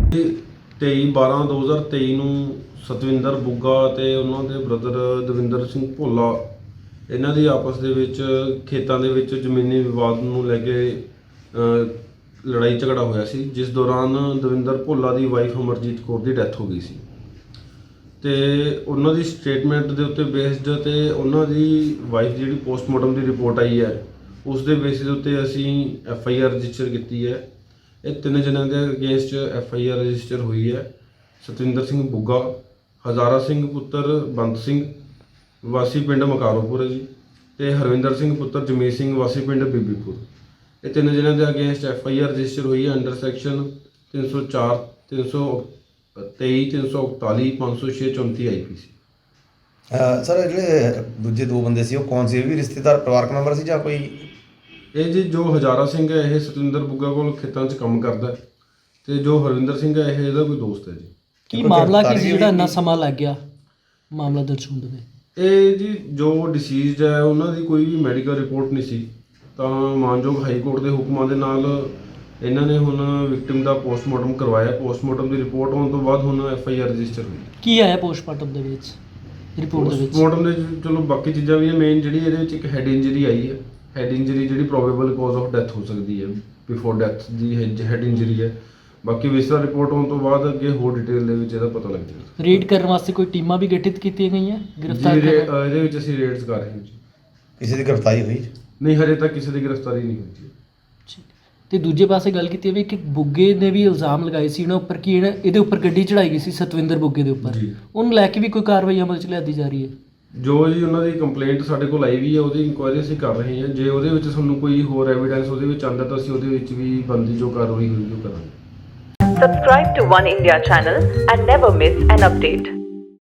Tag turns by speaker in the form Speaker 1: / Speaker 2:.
Speaker 1: 23/12/2023 ਨੂੰ ਸਤਵਿੰਦਰ ਬੁੱਗਾ ਅਤੇ ਉਹਨਾਂ ਦੇ ਬ੍ਰਦਰ ਦਵਿੰਦਰ ਸਿੰਘ ਭੋਲਾ ਇਹਨਾਂ ਦੀ ਆਪਸ ਦੇ ਵਿੱਚ ਖੇਤਾਂ ਦੇ ਵਿੱਚ ਜ਼ਮੀਨੀ ਵਿਵਾਦ ਨੂੰ ਲੈ ਕੇ ਲੜਾਈ ਝਗੜਾ ਹੋਇਆ ਸੀ, ਜਿਸ ਦੌਰਾਨ ਦਵਿੰਦਰ ਭੋਲਾ ਦੀ ਵਾਈਫ ਅਮਰਜੀਤ ਕੌਰ ਦੀ ਡੈਥ ਹੋ ਗਈ ਸੀ ਤੇ ਉਹਨਾਂ ਦੀ ਸਟੇਟਮੈਂਟ ਦੇ ਉੱਤੇ ਬੇਸਡ ਤੇ ਉਹਨਾਂ ਦੀ ਵਾਈਫ ਜਿਹੜੀ ਪੋਸਟਮਾਰਟਮ ਦੀ ਰਿਪੋਰਟ ਆਈ ਹੈ ਉਸ ਦੇ ਬੇਸਿਸ ਉੱਤੇ ਅਸੀਂ FIR ਰਜਿਸਟਰ ਕੀਤੀ ਹੈ। ਇਹ 3 ਜਣਿਆਂ ਦੇ ਅਗੇਂਸਟ FIR ਰਜਿਸਟਰ ਹੋਈ ਹੈ। ਸਤਵਿੰਦਰ ਸਿੰਘ ਬੁੱਗਾ, ਹਜ਼ਾਰਾ ਸਿੰਘ ਪੁੱਤਰ ਬੰਦ ਸਿੰਘ ਵਾਸੀ ਪਿੰਡ ਮਕਾਰੋਪੁਰ ਹੈ ਜੀ, ਤੇ ਹਰਵਿੰਦਰ ਸਿੰਘ ਪੁੱਤਰ ਜਮੀਤ ਸਿੰਘ ਵਾਸੀ ਪਿੰਡ ਬੀਬੀਪੁਰ। ਇਹ 3 ਜਣਿਆਂ ਦੇ ਅਗੇਂਸਟ FIR ਰਜਿਸਟਰ ਹੋਈ ਹੈ ਅੰਡਰ ਸੈਕਸ਼ਨ 304, 323, 341, 506, 34 IPC।
Speaker 2: ਸਰ ਜਿਹੜੇ ਦੂਜੇ 2 ਬੰਦੇ ਸੀ ਉਹ ਕੌਣ ਸੀ? ਇਹ ਵੀ ਰਿਸ਼ਤੇਦਾਰ ਪਰਿਵਾਰਕ ਮੈਂਬਰ ਸੀ ਜਾਂ ਕੋਈ?
Speaker 1: ਇਹ ਜੀ ਜੋ ਹਜ਼ਾਰਾ ਸਿੰਘ ਹੈ ਇਹ ਸਤਵਿੰਦਰ ਬੁੱਗਾ ਕੋਲ ਖੇਤਾਂ 'ਚ ਕੰਮ ਕਰਦਾ ਤੇ ਜੋ ਹਰਵਿੰਦਰ ਸਿੰਘ ਹੈ ਇਹ ਇਹਦਾ ਕੋਈ ਦੋਸਤ ਹੈ ਜੀ।
Speaker 3: ਕੀ ਮਾਮਲਾ ਕੀ ਸੀ ਜਿਹੜਾ ਇੰਨਾ ਸਮਾਂ ਲੱਗ ਗਿਆ ਮਾਮਲਾ ਦਰਜ ਹੋਣ ਦੇ?
Speaker 1: ਇਹ ਜੀ ਜੋ ਡਿਸੀਜ਼ਡ ਹੈ ਉਹਨਾਂ ਦੀ ਕੋਈ ਵੀ ਮੈਡੀਕਲ ਰਿਪੋਰਟ ਨਹੀਂ ਸੀ, ਤਾਂ ਮਾਨਯੋਗ ਹਾਈ ਕੋਰਟ ਦੇ ਹੁਕਮਾਂ ਦੇ ਨਾਲ ਇਹਨਾਂ ਨੇ ਹੁਣ ਵਿਕਟਿਮ ਦਾ ਪੋਸਟਮਾਰਟਮ ਕਰਵਾਇਆ। ਪੋਸਟਮਾਰਟਮ ਦੀ ਰਿਪੋਰਟ ਆਉਣ ਤੋਂ ਬਾਅਦ ਹੁਣ FIR ਰਜਿਸਟਰ ਹੋਈ।
Speaker 3: ਕੀ ਆਇਆ ਪੋਸਟਮਾਰਟਮ ਦੇ ਵਿੱਚ, ਰਿਪੋਰਟ ਦੇ ਵਿੱਚ?
Speaker 1: ਪੋਸਟਮਾਰਟਮ ਦੇ ਚਲੋ ਬਾਕੀ ਚੀਜ਼ਾਂ ਵੀ ਹੈ, ਮੇਨ ਜਿਹੜੀ ਇਹਦੇ ਵਿੱਚ ਇੱਕ ਹੈਡ ਇੰਜਰੀ ਆਈ ਹੈ। ਹੈਡ ਇੰਜਰੀ ਜਿਹੜੀ ਪ੍ਰੋਬੇਬਲ ਕਾਜ਼ ਆਫ ਡੈਥ ਹੋ ਸਕਦੀ ਹੈ, ਬਿਫੋਰ ਡੈਥ ਦੀ ਹੈਡ ਇੰਜਰੀ ਹੈ। ਬਾਕੀ ਵਿਸਰਾ ਰਿਪੋਰਟ ਆਉਣ ਤੋਂ ਬਾਅਦ ਅੱਗੇ ਹੋਰ ਡਿਟੇਲ ਦੇ ਵਿੱਚ ਇਹਦਾ ਪਤਾ ਲੱਗ ਜਾਏਗਾ।
Speaker 3: ਰੇਡ ਕਰਨ ਵਾਸਤੇ ਕੋਈ ਟੀਮਾਂ ਵੀ ਗਠਿਤ ਕੀਤੀਆਂ ਗਈਆਂ ਗ੍ਰਿਫਤਾਰ ਕਰਨ?
Speaker 1: ਇਹਦੇ ਵਿੱਚ ਅਸੀਂ ਰੇਡਸ ਕਰ ਰਹੇ ਹਾਂ ਜੀ।
Speaker 2: ਕਿਸੇ ਦੀ ਗ੍ਰਿਫਤਾਰੀ ਹੋਈ?
Speaker 1: ਨਹੀਂ, ਹਜੇ ਤੱਕ ਕਿਸੇ ਦੀ ਗ੍ਰਿਫਤਾਰੀ ਨਹੀਂ ਹੋਈ ਜੀ।
Speaker 3: ਠੀਕ। ਤੇ ਦੂਜੇ ਪਾਸੇ ਗੱਲ ਕੀਤੀ ਵੀ ਕਿ ਬੁੱਗੇ ਨੇ ਵੀ ਇਲਜ਼ਾਮ ਲਗਾਏ ਸੀ ਇਹਨਾਂ ਉੱਪਰ ਕਿ ਇਹਦੇ ਉੱਪਰ ਗੱਡੀ ਚੜਾਈ ਗਈ ਸੀ ਸਤਵਿੰਦਰ ਬੁੱਗੇ ਦੇ ਉੱਪਰ, ਉਹਨੂੰ ਲੈ ਕੇ ਵੀ ਕੋਈ ਕਾਰਵਾਈ ਅਮਲ 'ਚ ਲਿਆਦੀ ਜਾ ਰਹੀ ਹੈ?
Speaker 1: ਜੋ ਜੀ ਉਹਨਾਂ ਦੀ ਕੰਪਲੇਂਟ ਸਾਡੇ ਕੋਲ ਆਈ ਵੀ ਹੈ, ਉਹਦੀ ਇਨਕੁਆਇਰੀ ਅਸੀਂ ਕਰ ਰਹੇ ਹਾਂ। ਜੇ ਉਹਦੇ ਵਿੱਚ ਸਾਨੂੰ ਕੋਈ ਹੋਰ ਐਵੀਡੈਂਸ ਉਹਦੇ ਵਿੱਚ ਆਉਂਦਾ ਤਾਂ ਅਸੀਂ ਉਹਦੇ ਵਿੱਚ ਵੀ ਬਣਦੀ ਜੋ ਕਾਰਵਾਈ ਹੋਈ ਉਹ ਕਰਾਂਗੇ।
Speaker 4: Subscribe to One India channel and never miss an update.